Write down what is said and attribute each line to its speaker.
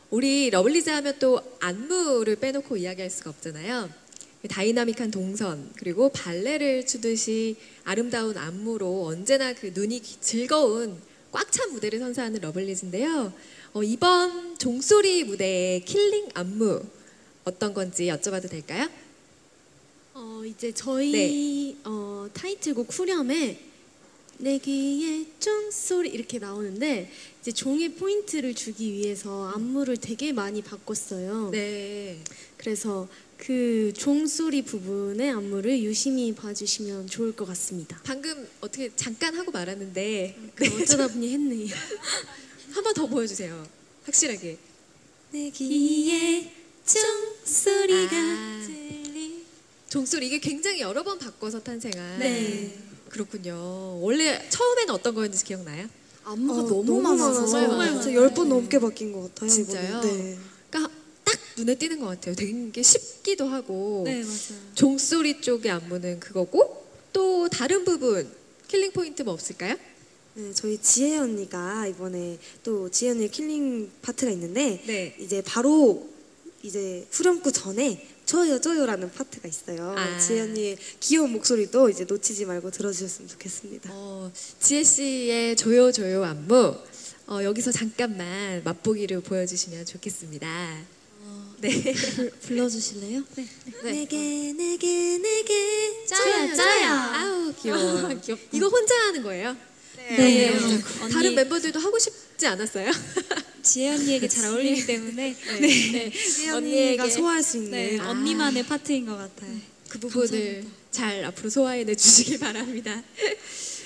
Speaker 1: 우리 러블리즈 하면 또 안무를 빼놓고 이야기할 수가 없잖아요. 다이나믹한 동선 그리고 발레를 추듯이 아름다운 안무로 언제나 그 눈이 즐거운 꽉 찬 무대를 선사하는 러블리즈인데요. 이번 종소리 무대의 킬링 안무 어떤 건지 여쭤봐도 될까요?
Speaker 2: 이제 저희 타이틀곡 후렴에 내 귀에 종소리 이렇게 나오는데 이제 종에 포인트를 주기 위해서 안무를 되게 많이 바꿨어요.
Speaker 1: 네.
Speaker 2: 그래서 그 종소리 부분의 안무를 유심히 봐주시면 좋을 것 같습니다.
Speaker 1: 방금 어떻게 잠깐 하고 말았는데
Speaker 2: 어쩌다 보니 했네요.
Speaker 1: 한 번 더 보여주세요. 확실하게.
Speaker 2: 내 귀에 종소리가 들리.
Speaker 1: 종소리 이게 굉장히 여러 번 바꿔서 탄생한.
Speaker 2: 네.
Speaker 1: 그렇군요. 원래 처음에는 어떤 거였는지 기억나요?
Speaker 2: 안무가
Speaker 3: 너무 많아서
Speaker 1: 정말
Speaker 3: 진짜 10번 넘게 바뀐 것 같아요.
Speaker 1: 진짜요?
Speaker 3: 이번에. 네.
Speaker 1: 그러니까 딱 눈에 띄는 것 같아요. 되게 쉽기도 하고.
Speaker 2: 네, 맞아요.
Speaker 1: 종소리 쪽의 안무는 그거고 또 다른 부분 킬링 포인트 뭐 없을까요?
Speaker 3: 네, 저희 지혜 언니가 이번에 또 지혜 언니의 킬링 파트가 있는데
Speaker 1: 네.
Speaker 3: 이제 바로 이제 후렴구 전에 저요저요라는 파트가 있어요.
Speaker 1: 아.
Speaker 3: 지혜 언니의 귀여운 목소리도 이제 놓치지 말고 들어주셨으면 좋겠습니다.
Speaker 1: 지혜 씨의 조요조요 안무 여기서 잠깐만 맛보기를 보여주시면 좋겠습니다. 네.
Speaker 2: 불러주실래요? 네.
Speaker 3: 내게
Speaker 2: 짜요.
Speaker 1: 아우 귀여워. 이거 혼자 하는 거예요?
Speaker 2: 네.
Speaker 1: 다른 멤버들도 하고 싶지 않았어요?
Speaker 4: 지혜 언니에게 잘 어울리기 때문에
Speaker 1: 네.
Speaker 3: 지혜 언니가 소화할 수 있는
Speaker 4: 네, 언니만의 파트인 것 같아요.
Speaker 1: 그 부분을 잘 앞으로 소화해내 주시길 바랍니다.